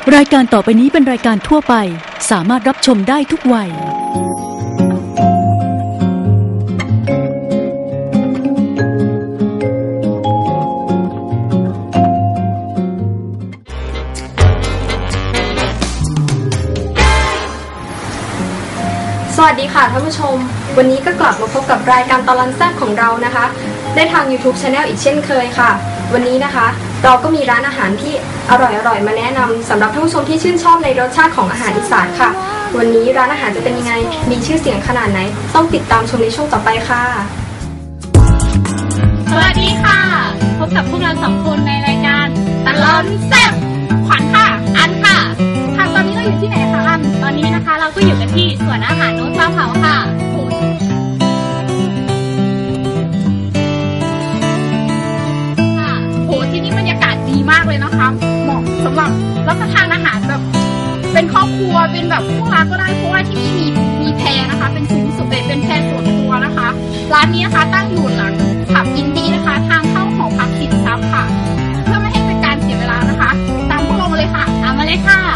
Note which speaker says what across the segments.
Speaker 1: รายการต่อไปนี้เป็นรายการทั่วไปสามารถรับชมได้ทุกวัย
Speaker 2: สวัสดีค่ะท่านผู้ชมวันนี้ก็กลับมาพบกับรายการตลอนแซ่บของเรานะคะได้ทาง YouTube Channel อีกเช่นเคยค่ะวันนี้นะคะเราก็มีร้านอาหารที่อร่อยๆมาแนะนำสำหรับท่านผู้ชมที่ชื่นชอบในรสชาติของอาหารอีสานค่ะวันนี้ร้านอาหารจะเป็นยังไงมีชื่อเสียงขนาดไหนต้องติดตามชมในช่วงต่อไปค่ะ
Speaker 3: สวัสดีค่ะพบกับพวกเรา2คนในรายการตลอนแซ่บขวัญค่ะอันค่ะค่ะตอนนี้เราอยู่ที่ไหนคะอันตอนนี้นะคะเราก็อยู่กันที่สวนอาหารโน้ตปลาเผาค่ะที่นี่บรรยากาศดีมากเลยนะคะเหมาะสำหรับรับประทานอาหารแบบเป็นครอบครัวเป็นแบบพวกร้านก็ได้เพราะว่าที่นี่มีแพนะคะเป็นซุ้มสุดเด็ดเป็นแพส่วนตัวนะคะร้านนี้นะคะตั้งอยู่หลังผับอินดี้นะคะทางเข้าหอพักสินทรัพย์ค่ะเพื่อไม่ให้เป็นการเสียเวลานะคะตามพวกเรามาเลยค่ะตามมาเลยค่ะ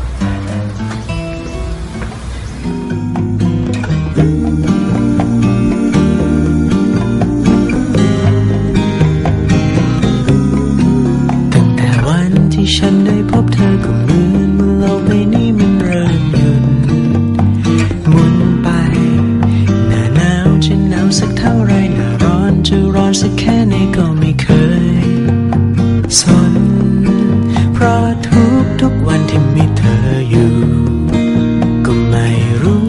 Speaker 4: ฉันได้พบเธอก็เหมือนเมื่อโลกใบนี้มันเริ่มหยุดหมุนไปหน้าหนาวจะหนาวสักเท่าไรหน้าร้อนจะร้อนสักแค่ไหนก็ไม่เคยสนเพราะทุกวันที่มีเธออยู่ก็ไม่รู้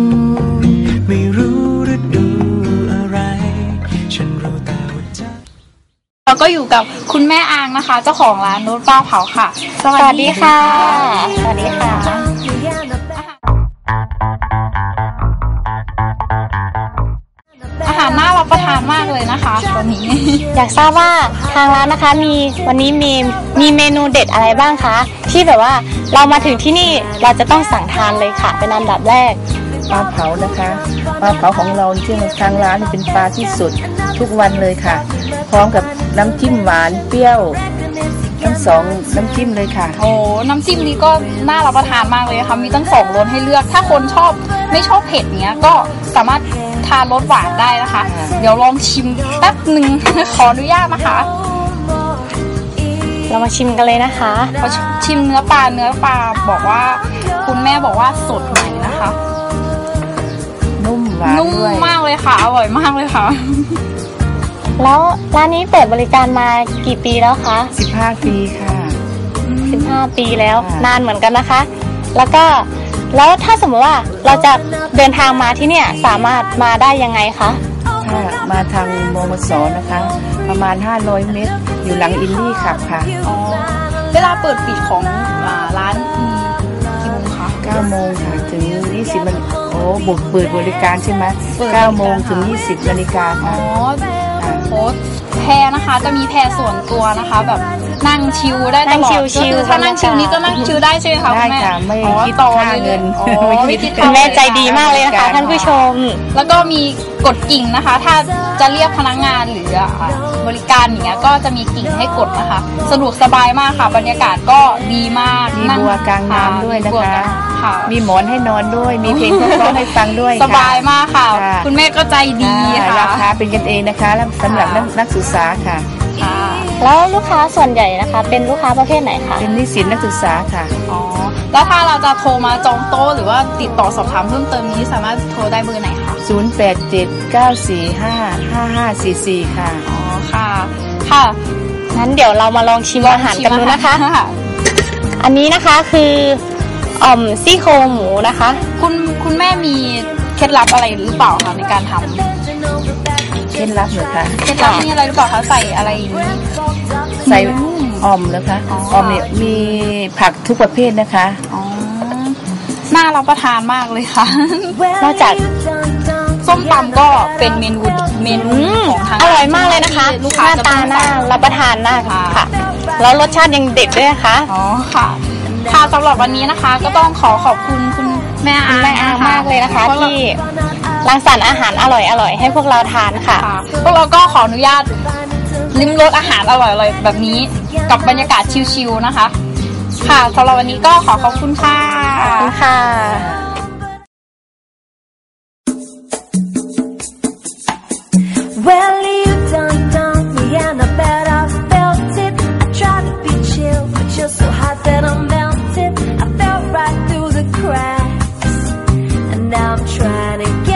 Speaker 4: ฤดูอะไรฉันรู้แต่ว่าใจ
Speaker 3: เราก็อยู่กับคุณแม่อางนะคะเจ้าของร้านโน้ตปลาเผาค่ะสวัสดีค่ะสวัสดีค่ะอาหารน่ารับประทานมากเลยนะคะวันนี้
Speaker 5: อยากทราบว่าทางร้านนะคะวันนี้มีเมนูเด็ดอะไรบ้างคะที่แบบว่าเรามาถึงที่นี่เราจะต้องสั่งทานเลยค่ะเป็นอันดับแรก
Speaker 6: ปลาเผานะคะปลาเผาของเราที่ทางร้านเป็นปลาที่สดทุกวันเลยค่ะพร้อมกับน้ำจิ้มหวานเปรี้ยวทั้ง2น้ำจิ้มเลยค่ะ
Speaker 3: โอ้น้ำจิ้มนี้ก็น่ารับประทานมากเลยค่ะมีตั้ง2รสให้เลือกถ้าคนไม่ชอบเผ็ดเนี้ยก็สามารถทานรสหวานได้นะคะเดี๋ยวลองชิมแป๊บนึงขออนุญาตนะคะ
Speaker 5: เรามาชิมกันเลยนะคะ
Speaker 3: ชิมเนื้อปลาบอกว่าคุณแม่บอกว่าสดใหม่นะคะ
Speaker 6: นุ่มหวาน
Speaker 3: นุ่มมากเลยค่ะอร่อยมากเลยค่ะ
Speaker 5: แล้วร้านนี้เปิดบริการมากี่ปีแล้วคะ
Speaker 6: 15 ปีค่ะ
Speaker 5: 15 ปีแล้วนานเหมือนกันนะคะแล้วถ้าสมมติว่าเราจะเดินทางมาที่เนี่ยสามารถมาได้ยังไงคะ
Speaker 6: ถ้ามาทางมมส.นะคะประมาณ500 เมตรอยู่หลังอินดี้ขับค่ะ
Speaker 3: เวลาเปิดปิดของร้านกี่โมงคะ
Speaker 6: 9 โมงค่ะถึง20 นาฬิกาเปิดบริการใช่ไหม9 โมงถึง20 นาฬิกาค่ะ
Speaker 3: โค้ดแพนะคะจะมีแพส่วนตัวนะคะแบบนั่งชิลได้ตลอดก็คือถ้านั่งชิลนี้ก็นั่งชิลได้ใช่ไหมคะคุณแม่
Speaker 6: ไม่คิดต่อเงิน
Speaker 5: คุณแม่ใจดีมากเลยนะคะท่านผู้ชม
Speaker 3: แล้วก็มีกดกิ่งนะคะถ้าจะเรียกพนักงานหรือบริการอย่างเงี้ยก็จะมีกิ่งให้กดนะคะสะดวกสบายมากค่ะบรรยากาศก็ดีมาก
Speaker 6: มีบัวกลางน้ำด้วยนะคะมีหมอนให้นอนด้วยมีเพลงเพราะๆให้ฟังด้วย
Speaker 3: สบายมากค่ะคุณแม่ก็ใจดีค่ะ
Speaker 6: ราคาเป็นกันเองนะคะสำหรับนักศึกษาค่ะ
Speaker 5: แล้วลูกค้าส่วนใหญ่นะคะเป็นลูกค้าประเภทไหนคะ
Speaker 6: เป็นนิสิตนักศึกษาค่ะ
Speaker 3: แล้วถ้าเราจะโทรมาจองโต๊ะหรือว่าติดต่อสอบถามเพิ่มเติมนี้สามารถโทรได้เบอร์ไหนคะ
Speaker 6: 0879455544ค่ะ
Speaker 3: ค่ะ
Speaker 5: งั้นเดี๋ยวเรามาลองชิมอาหารกันดูนะคะอันนี้นะคะคือซี่โครงหมูนะคะ
Speaker 3: คุณแม่มีเคล็ดลับอะไรหรือเปล่าคะในการทำ
Speaker 6: เคล็ดลับเหรอคะ
Speaker 3: เคล็ดลับมีอะไรหรือเปล่าคะใส่อะไร
Speaker 6: ใส่แล้วคะเนี่ยมีผักทุกประเภทนะคะ
Speaker 3: น่ารับประทานมากเลยค่ะ
Speaker 5: นอกจาก
Speaker 3: ส้มตำก็เป็นเมนูของทาง
Speaker 5: อร่อยมากเลยนะคะหน้าตาน่ารับประทานมากค่ะแล้วรสชาติยังเด็ดด้วยนะคะ
Speaker 3: ค่ะสำหรับวันนี้นะคะก็ต้องขอบคุณคุณแม่อาง
Speaker 5: มากเลยนะคะที่รังสรรค์อาหารอร่อยให้พวกเราทานค่ะ
Speaker 3: พวกเราก็ขออนุญาตลิ้มรสอาหารอร่อยๆแบบนี้กับบรรยากาศชิลๆนะคะค่ะสำหรับวันนี้ก็ขอบคุณค่ะ
Speaker 5: ขอบคุณค่ะ
Speaker 7: Well, you done me and I bet I felt it. I tried to be chill, but you're so hot that I'm melted. I fell right through the cracks, and now I'm trying to get